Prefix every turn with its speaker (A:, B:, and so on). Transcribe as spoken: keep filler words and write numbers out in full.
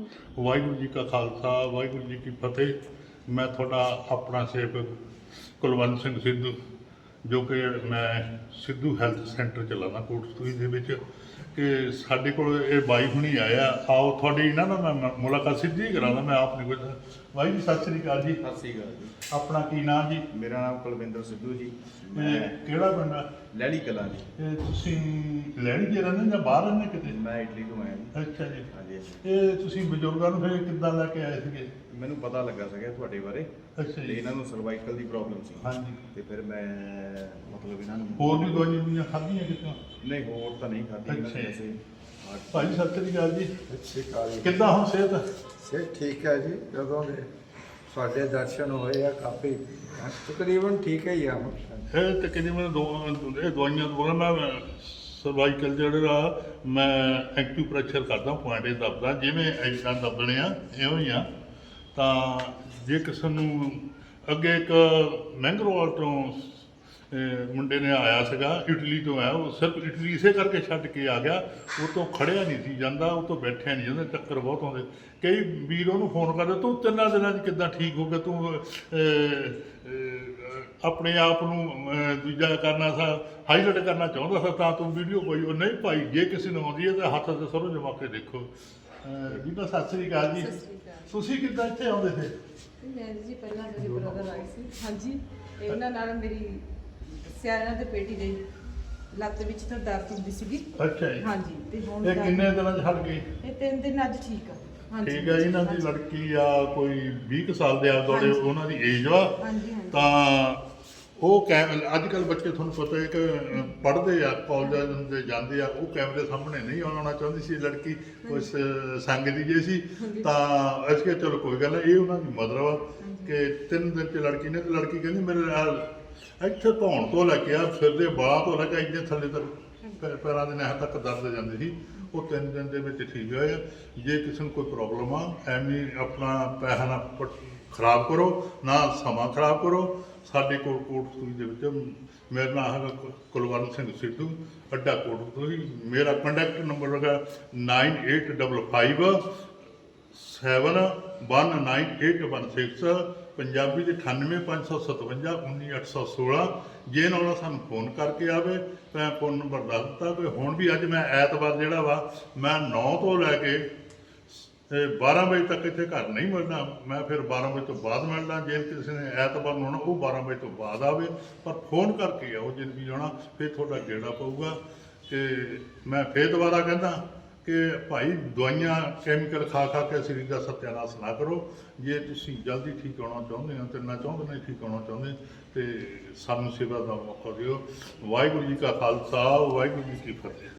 A: ਵਾਹਿਗੁਰੂ ਜੀ ਕਾ ਖਾਲਸਾ ਵਾਹਿਗੁਰੂ ਜੀ ਕੀ ਫਤਿਹ। ਮੈਂ ਤੁਹਾਡਾ ਆਪਣਾ ਸੇਵਕ ਕੁਲਵੰਤ ਸਿੰਘ ਸਿੱਧੂ, ਜੋ ਕਿ ਮੈਂ ਸਿੱਧੂ ਹੈਲਥ ਸੈਂਟਰ ਚਲਾਉਂਦਾ ਕੋਟਸਤੂਈ ਦੇ ਵਿੱਚ। ਕਿ ਸਾਡੇ ਕੋਲ ਇਹ ਬਾਈ ਹੁਣੀ ਆਇਆ, ਆਓ ਤੁਹਾਡੀ ਇਹਨਾਂ ਨਾਲ ਮੈਂ ਮ- ਮੁਲਾਕਾਤ ਸਿੱਧੀ ਹੀ ਕਰਾਂਦਾ। ਮੈਂ ਆਪ ਨਹੀਂ ਕੁਝ। ਬਾਈ ਜੀ ਸਤਿ ਸ੍ਰੀ ਅਕਾਲ ਜੀ।
B: ਸਤਿ ਸ਼੍ਰੀ ਅਕਾਲ ਜੀ।
A: ਆਪਣਾ ਕੀ ਨਾਮ ਜੀ?
B: ਮੇਰਾ ਨਾਮ ਕੁਲਵਿੰਦਰ ਸਿੱਧੂ ਜੀ।
A: ਮੈਂ
B: ਮੈਂ
A: ਕਿਹੜਾ ਪਿੰਡ ਆ?
B: ਲਹਿਲੀ ਕਲਾਂ ਜੀ।
A: ਇਹ ਤੁਸੀਂ ਲੈਣੀ ਜੇ ਰਹਿੰਦੇ ਜਾਂ ਬਾਹਰ ਰਹਿੰਦੇ ਕਿਤੇ?
B: ਮੈਂ ਇਟਲੀ ਤੋਂ ਆਇਆ ਜੀ।
A: ਅੱਛਾ ਜੀ।
B: ਹਾਂਜੀ ਹਾਂਜੀ।
A: ਇਹ ਤੁਸੀਂ ਬਜ਼ੁਰਗਾਂ ਨੂੰ ਫਿਰ ਕਿੱਦਾਂ ਲੈ ਕੇ ਆਏ ਸੀਗੇ?
B: ਮੈਨੂੰ ਪਤਾ ਲੱਗਾ ਸੀਗਾ ਤੁਹਾਡੇ ਬਾਰੇ
A: ਅੱਛਾ
B: ਤੇ
A: ਜੀ।
B: ਇਹਨਾਂ ਨੂੰ ਸਰਵਾਈਕਲ ਦੀ ਪ੍ਰੋਬਲਮ ਸੀ।
A: ਹਾਂਜੀ।
B: ਤੇ ਫਿਰ ਮੈਂ ਮਤਲਬ ਇਹਨਾਂ ਨੂੰ
A: ਹੋਰ ਵੀ ਦਵਾਈਆਂ ਦੁਈਆਂ ਖਾਧੀਆਂ ਕਿਤੋਂ?
B: ਨਹੀਂ, ਹੋਰ ਤਾਂ ਨਹੀਂ ਖਾਧੀ ਇਹਨਾਂ ਨੇ।
A: ਅੱਛਾ।
B: ਵੈਸੇ
A: ਭਾਈ ਸਤਿ ਸ੍ਰੀ ਅਕਾਲ ਜੀ।
C: ਸਤਿ ਸ਼੍ਰੀ ਅਕਾਲ ਜੀ।
A: ਕਿੱਦਾਂ ਹੁਣ ਸਿਹਤ?
C: ਸਿਹਤ ਠੀਕ ਹੈ ਜੀ। ਜਦੋਂ ਦੇ ਸਾਡੇ ਦਰਸ਼ਨ ਹੋਏ ਆ ਕਾਫੀ ਤਕਰੀਬਨ ਠੀਕ ਹੀ ਆ ਹੁਣ।
A: ਇਹ ਤਕਰੀਬਨ ਦੋ ਇਹ ਦਵਾਈਆਂ ਤੋਂ ਮੈਂ ਸਰਵਾਈਕਲ ਜਿਹੜਾ ਮੈਂ ਐਕੂਪ੍ਰੈਸ਼ਰ ਕਰਦਾ, ਪੁਆਇੰਟ ਇਹ ਦੱਬਦਾ, ਜਿਵੇਂ ਐਦਾਂ ਦੱਬਣੇ ਆ ਇਹੋ ਹੀ ਆ। ਤਾਂ ਜੇ ਕਿਸੇ ਨੂੰ ਅੱਗੇ ਇੱਕ ਮਹਿੰਗਰੋਵਾਲ ਤੋਂ ਅਹ ਮੁੰਡੇ ਨੇ ਆਇਆ ਸੀਗਾ, ਇਟਲੀ ਤੋਂ ਆਇਆ। ਉਹ ਸਿਰਫ ਇਟਲੀ ਇਸੇ ਕਰਕੇ ਛੱਡ ਕੇ ਆ ਗਿਆ। ਉਹ ਤੋਂ ਖੜਿਆ ਨਹੀਂ ਸੀ ਜਾਂਦਾ, ਉਹ ਤੋਂ ਬੈਠਿਆ ਨਹੀਂ ਜਾਂਦਾ, ਚੱਕਰ ਬਹੁਤ ਆਉਂਦੇ। ਕਈ ਵੀਰ ਉਹਨੂੰ ਫੋਨ ਕਰਦੇ, ਤੂੰ ਤਿੰਨਾਂ ਦਿਨਾਂ 'ਚ ਕਿੱਦਾਂ ਠੀਕ ਹੋ ਗਿਆ? ਤੂੰ ਅਹ, ਅਹ, ਆਪਣੇ ਆਪ ਨੂੰ ਅਹ, ਦੂਜਾ ਕਰਨਾ ਸਾ ਹਾਈਲਾਈਟ ਕਰਨਾ ਚਾਹੁੰਦਾ ਸੀ, ਤਾਂ ਤੂੰ ਵੀਡੀਓ ਪਾਈ। ਉਹ ਨਹੀਂ ਭਾਈ, ਜੇ ਕਿਸੇ ਨੂੰ ਆਉਂਦੀ ਹੈ ਤਾਂ ਹੱਥ ਤੇ ਸਰੋਂ ਜਮਾ ਕੇ ਦੇਖੋ। ਬੀਬਾ ਸਤਿ ਸ੍ਰੀ ਅਕਾਲ ਜੀ।
D: ਸਤਿ ਸ੍ਰੀ ਅਕਾਲ।
A: ਤੁਸੀਂ ਕਿੱਦਾਂ ਇੱਥੇ ਆਉਂਦੇ ਸੀ?
D: ਮੈਂ ਜੀ ਪਹਿਲਾਂ ਮੇਰੇ ਬ੍ਰਦਰ ਆਏ ਸੀ। ਹਾਂਜੀ, ਤੇ ਉਹਨਾਂ ਨਾਲ ਮੇਰੀ ਸਿਆਣਾ ਦੇ ਪੇਟੀ ਦੇ ਲੱਤ ਵਿੱਚ ਤਾਂ ਦਰਦ ਹੁੰਦੀ ਸੀਗੀ।
A: ਅੱਛਾ ਜੀ।
D: ਹਾਂਜੀ, ਤੇ ਹੁਣ
A: ਇਹ
D: ਤਾਂ-
A: ਕਿੰਨੇ ਦਿਨਾਂ 'ਚ ਹਟ ਗਈ?
D: ਇਹ ਤਿੰਨ ਦਿਨ ਅੱਜ ਠੀਕ ਆ। ਹਾਂਜੀ
A: ਠੀਕ ਹੈ। ਇਹਨਾਂ ਦੀ ਲੜਕੀ ਆ ਕੋਈ ਵੀਹ ਕੁ ਸਾਲ ਦੇ ਆ ਦੁਆਲੇ
D: ਹਾਂਜੀ।
A: ਉਹਨਾਂ ਦੀ ਏਜ ਵਾ।
D: ਹਾਂਜੀ ਹਾਂਜੀ।
A: ਤਾਂ ਉਹ ਕੈ ਅੱਜ ਕੱਲ੍ਹ ਬੱਚੇ ਤੁਹਾਨੂੰ ਪਤਾ ਹੈ ਕਿ ਪੜ੍ਹਦੇ ਆ, ਕਾਲਜ ਦੇ ਜਾਂਦੇ ਆ, ਉਹ ਕੈਮਰੇ ਸਾਹਮਣੇ ਨਹੀਂ ਆਉਣਾ ਚਾਹੁੰਦੀ ਸੀ ਲੜਕੀ, ਉਸ ਸੰਗ ਦੀ ਜੇ ਸੀ। ਤਾਂ ਅਸੀਂ ਕਿਹਾ ਚਲੋ ਕੋਈ ਗੱਲ ਨਹੀਂ, ਇਹ ਉਹਨਾਂ ਦੀ ਮਦਰ ਵਾ ਕਿ ਤਿੰਨ ਦਿਨ 'ਚ ਲੜਕੀ ਨੇ, ਤੇ ਲੜਕੀ ਕਹਿੰਦੀ ਮੇਰੇ ਨਾਲ ਇੱਥੇ ਧੌਣ ਤੋਂ ਲੈ ਕੇ ਆ ਸਿਰ ਦੇ ਬਾਹਾਂ ਤੋਂ ਲੈ ਕੇ ਇੱਥੇ ਥੱਲੇ ਤੱਕ ਪੈ- ਪੈਰਾਂ ਦੇ ਨਹਿ ਤੱਕ ਦਰਦ ਜਾਂਦੀ ਸੀ। ਉਹ ਤਿੰਨ ਦਿਨ ਦੇ ਵਿੱਚ ਠੀਕ ਹੋਇਆ। ਜੇ ਕਿਸੇ ਨੂੰ ਕੋਈ ਪ੍ਰੋਬਲਮ ਆ, ਐਵੇਂ ਆਪਣਾ ਪੈਸਾ ਨਾ ਪ- ਖਰਾਬ ਕਰੋ, ਨਾ ਸਮਾਂ ਖਰਾਬ ਕਰੋ। ਸਾਡੇ ਕੋਲ ਕੋਟਸਤੂਈ ਦੇ ਵਿੱਚ ਮੇਰਾ ਨਾਮ ਹੈਗਾ ਕੁ- ਕੁਲਵੰਤ ਸਿੰਘ ਸਿੱਧੂ, ਅੱਡਾ ਕੋਟਸਤੂਈ। ਮੇਰਾ ਕੰਟੈਕਟ ਨੰਬਰ ਹੈਗਾ nine eight five five seven one nine eight one six, Punjabi ਦੇ ਅਠਾਨਵੇਂ ਪੰਜ ਸੌ ਸਤਵੰਜਾ ਉੱਨੀ ਅੱਠ ਸੌ ਸੋਲਾਂ। ਜੇ ਨਾਲ ਸਾਨੂੰ ਫੋਨ ਕਰਕੇ ਆਵੇ ਤਾਂ ਫੋਨ ਨੰਬਰ ਦੱਸ ਦਿੱਤਾ ਕਿ ਹੁਣ ਵੀ ਅੱਜ ਮੈਂ ਐਤਵਾਰ ਜਿਹੜਾ ਵਾ ਮੈਂ ਨੌ ਤੋਂ ਲੈ ਕੇ ਤੇ ਬਾਰਾਂ ਵਜੇ ਤੱਕ ਇੱਥੇ ਘਰ ਨਹੀਂ ਮਿਲਣਾ। ਮੈਂ ਫਿਰ ਬਾਰਾਂ ਵਜੇ ਤੋਂ ਬਾਅਦ ਮਿਲਣਾ। ਜੇ ਕਿਸੇ ਨੇ ਐਤਵਾਰ ਨੂੰ ਆਉਣਾ, ਉਹ ਬਾਰਾਂ ਵਜੇ ਤੋਂ ਬਾਅਦ ਆਵੇ, ਪਰ ਫੋਨ ਕਰਕੇ ਆਓ ਜੇ ਵੀ ਆਉਣਾ, ਫਿਰ ਤੁਹਾਡਾ ਗੇੜਾ ਪਊਗਾ। ਤੇ ਮੈਂ ਫਿਰ ਦੁਬਾਰਾ ਕਹਿੰਦਾ ਕਿ ਭਾਈ ਦਵਾਈਆਂ ਕੈਮੀਕਲ ਖਾ ਖਾ ਕੇ ਸਰੀਰ ਦਾ ਸਤਿਆਨਾਸ਼ ਨਾ ਕਰੋ। ਜੇ ਤੁਸੀਂ ਜਲਦੀ ਠੀਕ ਹੋਣਾ ਚਾਹੁੰਦੇ ਹੋ ਤੇ ਨਾ ਚਾਹੁੰਦੇ ਨਹੀਂ ਠੀਕ ਹੋਣਾ ਚਾਹੁੰਦੇ, ਤੇ ਸਾਨੂੰ ਸੇਵਾ ਦਾ ਮੌਕਾ ਦਿਓ। ਵਾਹਿਗੁਰੂ ਜੀ ਕਾ ਖਾਲਸਾ ਵਾਹਿਗੁਰੂ ਜੀ ਕੀ ਫਤਿਹ।